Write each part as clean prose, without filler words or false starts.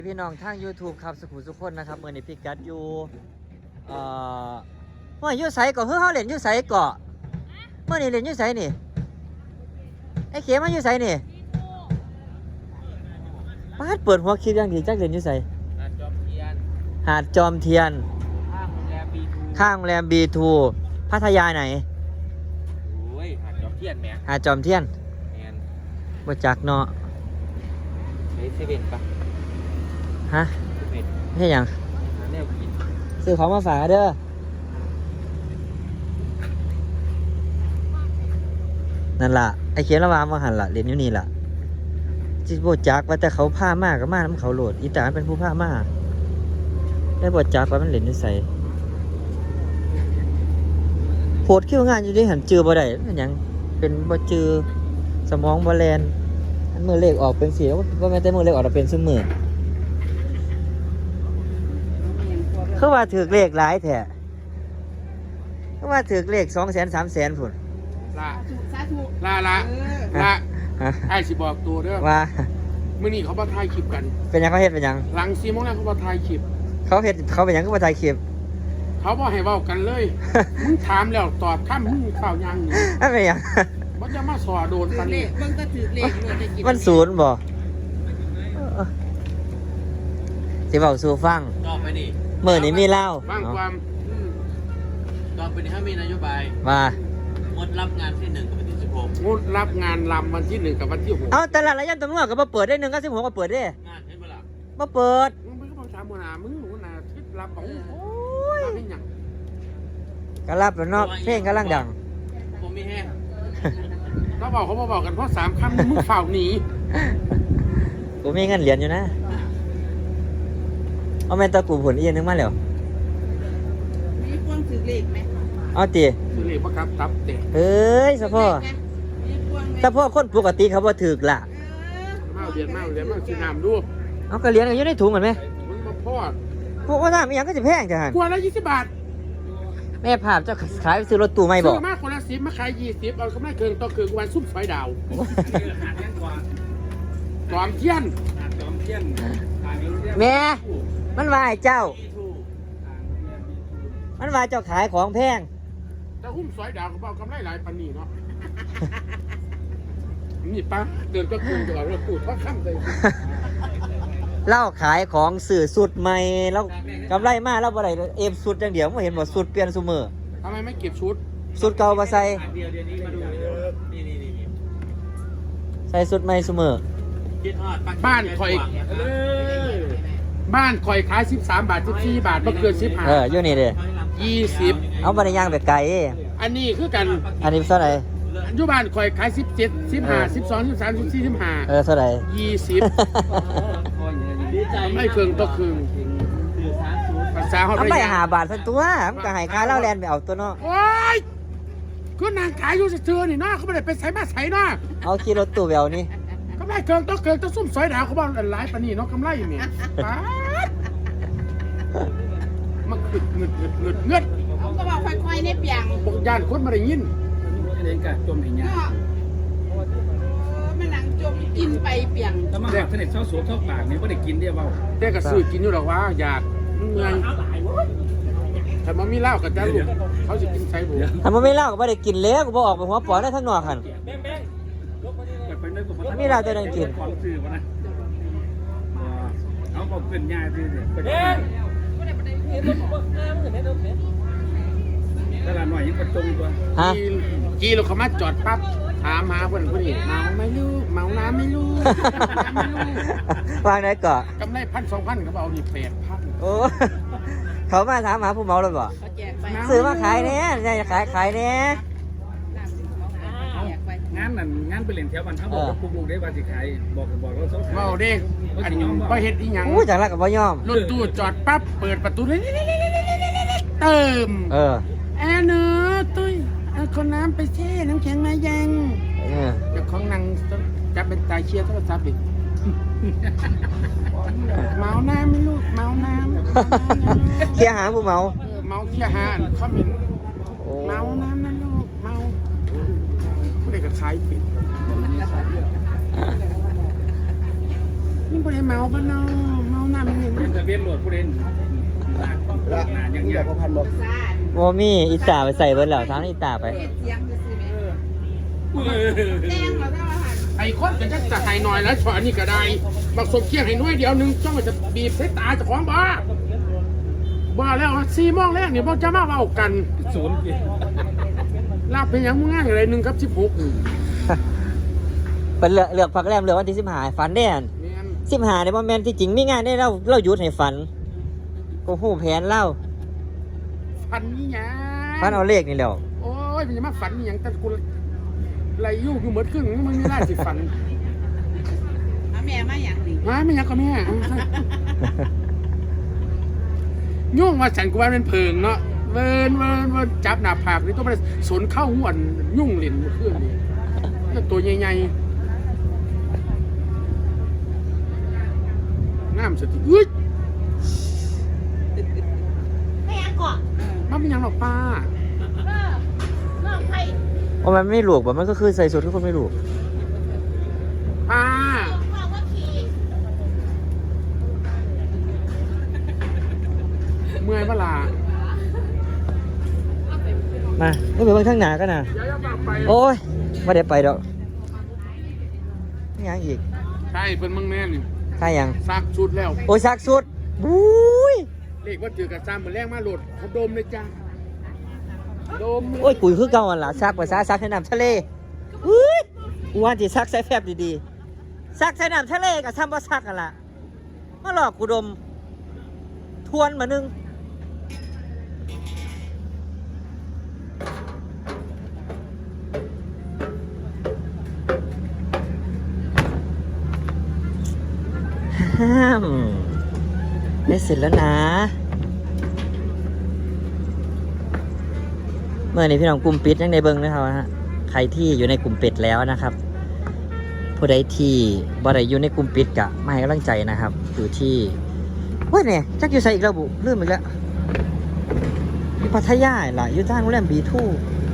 พี่น้องทาง YouTube ครับสุขุมสุขคนนะครับเมื่อนี้พี่กัดอยู่ว่าอยู่ไสเกาะเฮาเล่นอยู่ไสเกาะเมื่อนี้เล่นอยู่ไสนี่ไอ้เข็มมาอยู่ไสนี่ป้าดเปิดหัวคลิปอย่างดีจักเล่นอยู่ไสหาดจอมเทียนข้างโรงแรม B2 พัทยาไหนโอ้ยหาดจอมเทียนแม่หาดจอมเทียนแม่นบ่จักเนาะเฮ้ยเซเว่นปะฮะเซเว่นเฮ็ดหยังหาแนวกินซื้อของมาฝากเด้อนั่นล่ะไอ้เขียนระวางมาหันล่ะเรียนอยู่นี่ล่ะจิบ่จักว่าแต่เขาพามากก็มานํเขาโหลดอีตาเป็นผู้พามาได้บ่จักว่ามันเล่นอยู่ไสโพดคิวงานอยู่ที่หันจือบ่ได้เป็นหยังเป็นบ่จือสมองบ่แล่นอันมือเลขออกเป็นสีบ่แม่นแต่มือเลขออกแล้วเป็นซุมื้อคือว่าถูกเลขหลายแท้คือว่าถูกเลข 200,000 300,000 พุ่นละไอ้สิบอกตัวเด้อว่ามื้อนี้เขาบ่ถ่ายคลิปกันเป็นหยังเขาเฮ็ดเป็นหยังหลัง4 โมงแล้วเขาบ่ถ่ายคลิปเขาเป็นหยังก็บ่ถ่ายคลิปเขาบ่ให้เว้ากันเลยมึงถามแล้วตอบคำมึงข้าวยังนี่อันเป็นหยังบ่จะมาสอโดนปานนี้เบิ่งก็ถือเลขเลยจะกินมันศูนย์บ่สิเว้าสู่ฟังต่อไปนี่มื้อนี้มีเล่าฟังความต่อไปนี่ถ้ามีนโยบายว่างดรับงานที่1กับวันที่16 งดรับงานลำวันที่1กับวันที่6 เอาแต่ละระยะตำรวจก็บ่เปิดได้1กับ16ก็เปิดเด้งานเห็นบ่ล่ะบ่เปิดมึงก็บ่ถามหัวหน้ามึงหัวหน้าคิดรับของโอ้ยเป็นหยังก็รับแล้วเนาะเพลงกำลังดังผมมีแห้งเขาบอกกันเพราะ3คำมึงฝ่าวหนีกูมีเงินเหรียญอยู่นะเอาแม่นตะกูผลอีกนึงมาแล้วมีพวงถือเลขไหมเอาติคือเลขประกับตับเตะเอ้ยสะพ่อแต่พ่อคนปกติเขาบ่ถูกล่ะมาเรียนสิน้ำดูเอาก็เหรียญก็อยู่ในถุงกันมั้ยมันมาพอดพวกว่าถามอีหยังก็สิแพงจังหั่นกว่าละ20 บาทแม่ภาพเจ้าขายไปซื้อรถตู้ใหม่บ่ซื้อมาคนละ10มาขาย20เอากำไรเกินต่อเกินวันซุปไฟดาวจอมเทียนแม่มันว่าให้เจ้ามันว่าเจ้าขายของแพงแต่หุ้มซอยดาวก็เอากำไรหลายปานนี้เนาะนี่ปะเดินก็คืนตลอดรถตู้ทอดค่ำเลยเล่าขายของสื่อสุดใหม่แล้วกำไรมากแล้วบ่ได้เอฟสุดอย่างเดียวไม่เห็นบ่สุดเปลี่ยนซุมื้อทำไมไม่เก็บชุดสุดเก่าบ่ใส่เดี๋ยวนี้มาดูนี่ใส่สุดใหม่ซุมื้อบ้านข่อยขาย13 บาท14 บาทบ่เกิน15 อยู่นี่เด้ 20 เอาบ่ได้ย่างไปไกลอันนี้คือกันอันนี้เท่าไหร่อยู่บ้านข่อยขาย17 15 12 13 14 15 เท่าไหร่ 20ไม่เครื่องต่อเครื่องภาษาเฮาได้5 บาทซั่นตัวมันก็ให้ค่าเหล้าแลนไปเอาตัวเนาะโอ๊ยคือนางขายอยู่ซื่อๆนี่เนาะเขาบ่ได้ไปไสมาไสเนาะเอาขี่รถตู้ไปเอานี่กำไรเกินต้องซุ่มซอยดาวเขาบอกหลายปานนี้เนาะกำไรอยู่เนี่ยมันเงึดเขาก็บอกค่อยๆในเปียงบอกย่านคนมาได้ยินเล่นกับจมอย่างเงี้ยมันหนังจมกินไปเปียงแล้วมาแบบเสน็จเช้าสวมเท่าปากเนี่ยก็ได้กินได้เบาแต่ก็ซื้อกินอยู่หรอกว่าอยากเงินแต่มันมีเหล้ากับจ้าลูกเขาจะกินใช้บุถ้ามันไม่เหล้าก็ไม่ได้กินแล้วก็บอกออกไปหัวปอได้ทั้งนอกหันมีเหล้าจะได้กินเอาบอกเป็นยาดีเนี่ยตลาดหน่อยยังประจงตัวกีเราเขามาจอดปั๊บถามหาคนนี้เมาไม่รู้เมาน้ำไม่รู้วางไหนก่อนกำไร1,000-2,000เขาเอานี่8,000 โอ้เขามาถามหาผู้เมาเลยบ่ซื้อมาขายเนี่ยจะขายเนี่ยงานไปเล่นแถวบ้านเขาบอกปลูกได้ว่าสิขายบอกเราสองเมาเด้อันนี้บ่เฮ็ดอีหยังจากละกับบ่ยอมรถตู้จอดปั๊บเปิดประตูเลยเติมแอนเนอตุ้ยเอาคนน้ำไปแช่น้ำแข็งมายังเดี๋ยวของนางจะเป็นตายเชียร์โทรศัพท์อีกเมาน้ำไม่ลูกเมาน้ำเคียหาผู้เมาเมาเคียหาเขาเหม็นเมาน้ำนะลูกเมาผู้ใดก็ขายปิดนี่บ่ได้เมาปะเนาะเมาน้ำนี่เป็นทะเบียนรถผู้เล่นหนาอย่างเงี้ยโมมี่อีตาไปใส่เบิร์ดแล้วทั้งอีตาไปเฮ็ดเสียงซื่อๆแม่แจ้งเราได้ว่าหันไอ้คนก็จะให้หน่อยแล้วฉอนี่ก็ได้บักสมเคียงให้น้อยเดียวนึงจ้องจะบีบใส่ตาเจ้าของบ้าแล้ว4 โมงแรกนี่บ่จะมาเว้ากันศูนย์กี่ลาบเป็นหยังมึงง่ายอะไร1 กับ 16 เป็นเลือกพักแรมเลือกวันที่15ฝันได้อันแม่น 15ในโมเมนต์ที่จริงมีงานได้เราหยุดให้ฝันก็หู้แผนเล่าฝันนี่หยังฝันเอาเลขนี่แหล้วโอ้ยมันจะมาฝันนี่หยังแต่กูไหลยุ่งอยู่หมดครึ่งมึงไม่ได้สิฝันเอาแม่มาอย่างนี้มาไม่หยังก็แม่ยุ่งว่าฉันกูว่าเป็นเพิงเนาะเวินจับหน้าผากนี่ต้องไปสนเข้าหัวยุ่งเหรียญเครื่องนี่แล้วตัวใหญ่ๆน้ำสติอุ้ยแม่ก่อนมันเป็นหยังหรอกป้าน้องไผ่ว่ามันไม่หลวกแบบมันก็คือใส่สุดทุกคนไม่หลวกป้าบอกว่าขี่เมื่อยเวลามาไม่ไปเบิ่งข้างหน้ากันนะอย่าปากไปโอ้ยไม่ได้ไปดอกนี่ยังอีกใช่เป็นมึงแม่นี่ค่ายังซักชุดแล้วโอ้ยซักสุดบุ้ยเลขว่าเจอกับซ้ำเหมือนแรกมาโหลดเขาดมเลยจ้าดมโอ้ยกุยคือเก่าอันละซักภาษาซักใส่น้ำทะเลอุ้ยกูว่าที่ซักใส่แฟบดีๆซักใส่น้ำทะเลกับซ้ำว่าซักกันละมาหลอกกูดม ทวนมานึงห้ามได้เสร็จแล้วนะเมื่อนี้พี่น้องกลุ่มปิดยังในเบิ้งนะครับฮะใครที่อยู่ในกลุ่มปิดแล้วนะครับ ผู้ใดที่บ่ได้อยู่ในกลุ่มปิดกะมาให้กำลังใจนะครับ อยู่ที่เว้ยเนี่ยจักอยู่ใส่อีกแล้วบุลืมอีกแล้วอยู่พัทยาล่ะอยู่ทางโรงแรมบีทู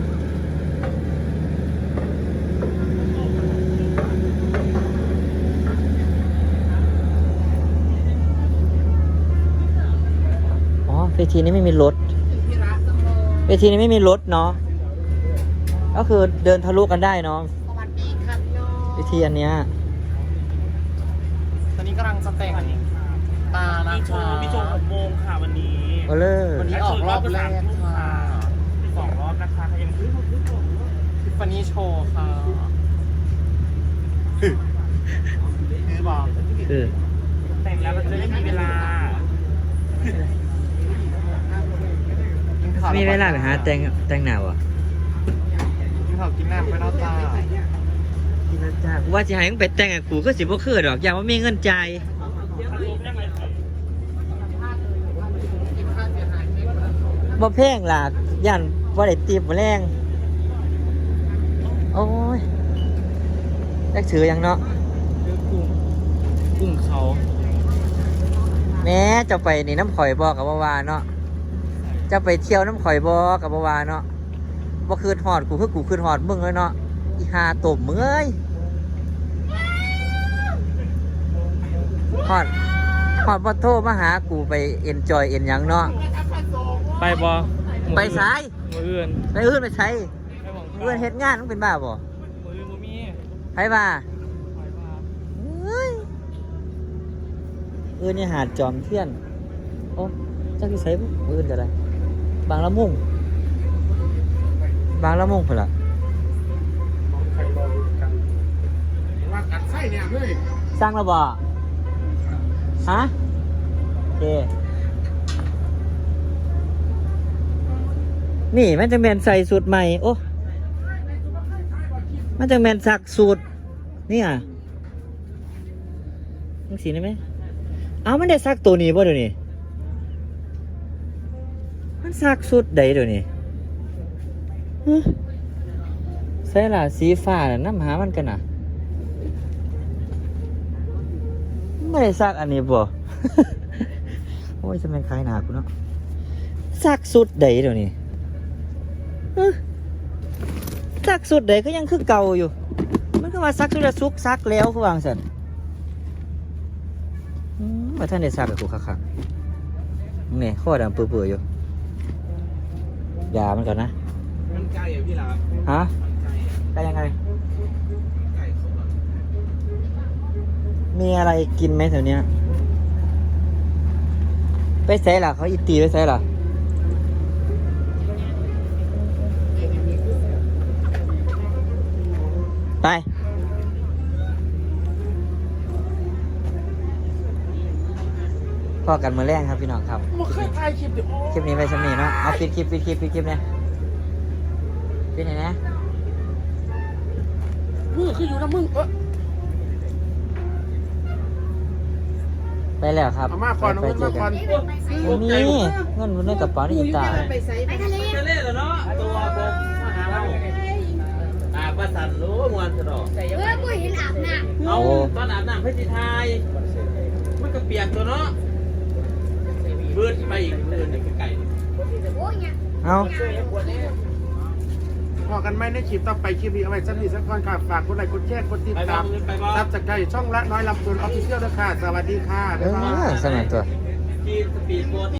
เวทีนี้ไม่มีรถ เวทีนี้ไม่มีรถเนาะ ก็คือเดินทะลุกันได้เนาะสวัสดีครับน้องเวทีอันเนี้ยตอนนี้กำลังจะแต่งตานะคะมีโชว์6 โมงค่ะวันนี้โอเลอร์วันนี้ออกรอบแรกค่ะ 2 รอบนะคะใครยังซื้อทิฟฟานี่โชว์ค่ะคือบอกคือแต่งแล้วเราจะได้มีเวลามีเวลาไปหาแต่งหนาวอ่ะกินข้าวกินน้ำไปนอกตาพี่นัทจ้าว่าจะให้มึงไปแต่งกับกูก็สิบ่คือดอกอย่างว่ามีเงินจ่ายบ่แพงล่ะย่านบ่ได้ตีบบ่แรงโอ้ยจักถือยังเนาะกุ้งเขาแม้จะไปนี่น้ำข่อยบ่กับบ่ว่าเนาะจะไปเที่ยวน้ำข่อยบ่กับบ่ว่าเนาะบ่คืนฮอดกูคือกูคืนฮอดมึงเลยเนาะอีหาตบมึงเอ้ยฮอดบ่โทรมาหากูไปเอ็นจอยเอ็นหยังเนาะไปบอไปสายมืออื่นไปอื่นไปใช้ไปหวังเพื่อนเฮ็ดงานมึงเป็นบ้าบ่มืออื่นบ่มีไปบ้าเฮ้ยนี่หาดจอมเทียนโอ้จักสิใส่บ่อื่นก็ได้บางละมุงพุ่นล่ะใครรอดูกันว่ากัดไส้เนี่ยเลยสร้างแล้วบ่ฮะโอเคนี่มันจะแมนใส่สูตรใหม่โอ้มันจะแมนสักสูตรนี่อ่ะมึงสีได้ไหมเอามันได้ซักตัวนี้ป่ะเดี๋ยวนี้มันซักสูตรใดเดี๋ยวนี้ฮะใส่ล่ะสีฟ้าน่ะน้ำหามันกันน่ะไม่ได้ซักอันนี้บ่ โอ้ยจะเป็นคล้ายหนากูเนาะซักสูตรใดเดี๋ยวนี้ซักสุดใดก็ยังคือเก่าอยู่ มันก็ว่าซักสุดละซุกซักแล้วคือวางสันมาท่านได้ทราบกับกูคักๆนี่ข้อดำเปื่อยๆอยู่ยามันก่อนนะมันไกลอ่ะพี่ลาฮะได้ยังไงไกลเขาแบบมีอะไรกินไหมแถวเนี้ยไปใส่ล่ะเขาอีตีไปใส่ล่ะไปพ่อกันมือแรงครับพี่น้องครับมาเคยถ่ายคลิปดิคลิปนี้ไปสำนีเนาะเอาปิดคลิปเนี่ยปิดไหนนะมือคืออยู่นะมึงไปแล้วครับเอามาก่อนเอาไปเงินเจมาอก่กัอน นนี่เงินอยู่ในกระเป๋านี่ตาไปใส่ไปทะเลจะเล่นเหรอเนาะตัวผมมาหาเราประสันรู้มวนสะดอกกูเห็นอาบน้ำเอาตอนอาบน้ำเพชรไทยมันก็เปียกตัวเนาะเบิดไปอีกเดินไกลโอ้ยเนี่ยเอาพอกันไหมในคลิปต่อไปคลิปนี้เอาไว้สักนิดสักก่อนค่ะฝากกดไลค์กดแชร์กดติดไปบ้าตาง มไปบ้างซับจากใจช่องละน้อยลำพูนออฟฟิเชียลด้วยค่ะสวัสดีค่ะเอบ๊ายบาอย สมัยตัวที่สปีดโบ๊ท